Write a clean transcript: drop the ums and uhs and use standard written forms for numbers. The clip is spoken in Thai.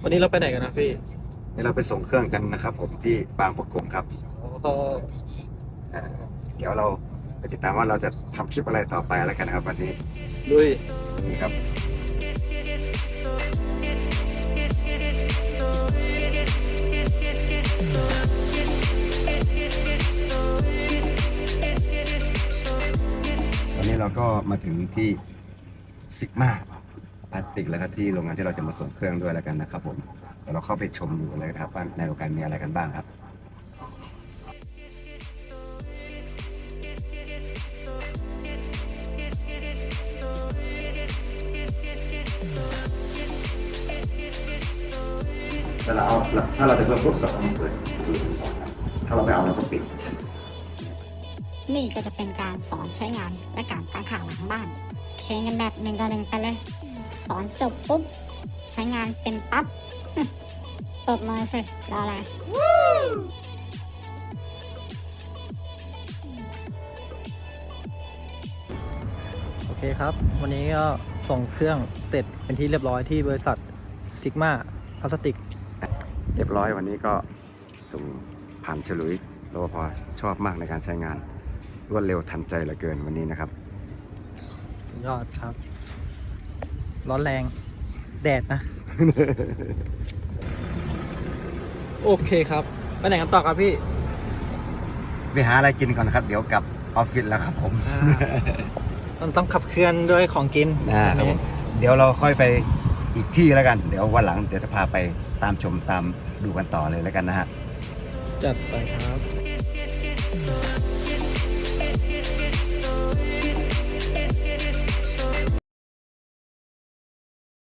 วันนี้เราไปไหนกันนะพี่นี่เราไปส่งเครื่องกันนะครับผมที่บางประกงครับก็เอ่อเดี๋ยวเราไปติดตามว่าเราจะทำคลิปอะไรต่อไปแล้วกันนะครับวันนี้ลุยนี่ครับวันนี้เราก็มาถึงที่ซิกมาพลาสติกแล้วก็ที่โรงงานที่เราจะมาส่งเครื่องด้วยแล้วกันนะครับผมเดี๋ยวเราเข้าไปชมดูเลยนะครับว่าในโรงงานมีอะไรกันบ้างครับถ้าเราจะเพิ่มพวกสองเปิดถ้าเราไม่เอาเราก็ปิดนี่ก็จะเป็นการสอนใช้งานและการตั้งค่าหลังบ้านเทรนกันแบบ1 ต่อ 1ไปเลย สอนจบปุ๊บ ใช้งานเป็นปั๊บเปิดมือสิรออะไรโอเคครับ วันนี้ก็ส่งเครื่องเสร็จเป็นที่เรียบร้อยที่บริษัทซิกมาพลาสติกเรียบร้อยวันนี้ก็ส่งผ่านฉลุยรปภชอบมากในการใช้งานรวดเร็วทันใจเหลือเกินวันนี้นะครับสุดยอดครับ ร้อนแรงแดดนะ โอเคครับไปไหนกันต่อครับพี่ไปหาอะไรกินก่อนครับเดี๋ยวกลับออฟฟิศแล้วครับผมมันต้องขับเคลื่อนด้วยของกินครับผมเดี๋ยวเราค่อยไปอีกที่แล้วกันเดี๋ยววันหลังเดี๋ยวจะพาไปตามชมตามดูกันต่อเลยแล้วกันนะฮะจัดไปครับ